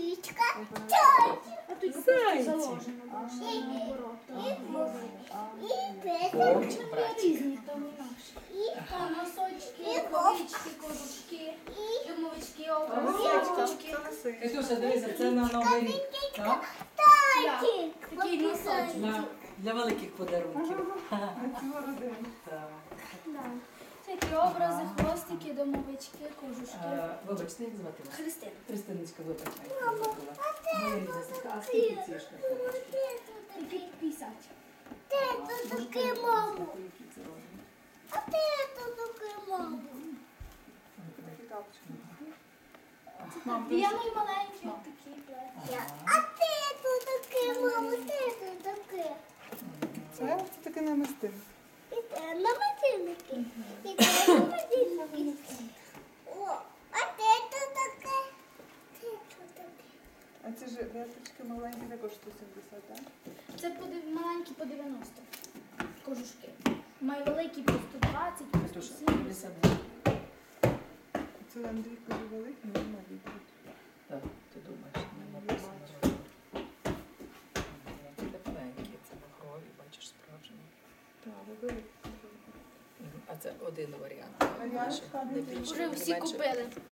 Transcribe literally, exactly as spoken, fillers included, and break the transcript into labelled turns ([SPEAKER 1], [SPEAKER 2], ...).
[SPEAKER 1] Лисичка.
[SPEAKER 2] А тут
[SPEAKER 3] Зайці.
[SPEAKER 2] заложено. наоборот.
[SPEAKER 1] И
[SPEAKER 3] О,
[SPEAKER 1] песочка.
[SPEAKER 3] братик.
[SPEAKER 2] Різні там і наші. Та носочки, рукавички, кожушки, юмовички, обручки.
[SPEAKER 3] Катюша, дивися, це на Новий рік. Так?
[SPEAKER 1] Тайтик.
[SPEAKER 2] Такий носочок.
[SPEAKER 3] На, для великих подарунків. Так.
[SPEAKER 2] Да. Такі образи, хвостики, домовички, кожушки.
[SPEAKER 3] Е, Вибачте, як звати вас?
[SPEAKER 2] Христина.
[SPEAKER 3] Христиночка, вибач, я забула. Моя рідна сестра. А скільки ці шкарпеточки?
[SPEAKER 2] Такі п'ятдесят.
[SPEAKER 1] Ты тут таки маму.
[SPEAKER 3] Які це розмір?
[SPEAKER 1] А ты тут таки маму.
[SPEAKER 2] Я мої маленькі, такі плечі.
[SPEAKER 1] А ты тут таки маму, ты тут таки.
[SPEAKER 4] Це, це таке намистин.
[SPEAKER 1] І те на мобільники. І те на мобільники. О, а ти тут таке? Ти тут таке.
[SPEAKER 4] А ці ж вяточки маленькі також сто сімдесят, так?
[SPEAKER 2] Це по дев- маленькі по дев'яносто кожушки. Мої великі по сто двадцять, по сто
[SPEAKER 3] Катюша,
[SPEAKER 2] сімдесят.
[SPEAKER 3] присади.
[SPEAKER 4] Це Андрійко великий, не малі.
[SPEAKER 3] Так, ти думаєш, не написано. Це тепленькі, це махрові, бачиш, справжні.
[SPEAKER 4] Так, великий.
[SPEAKER 3] Мгм. А це один варіант.
[SPEAKER 4] А я
[SPEAKER 3] Більше,
[SPEAKER 4] шкаф
[SPEAKER 3] не
[SPEAKER 4] не
[SPEAKER 3] більше,
[SPEAKER 2] Вже
[SPEAKER 3] не
[SPEAKER 2] всі
[SPEAKER 3] менше.
[SPEAKER 2] купили.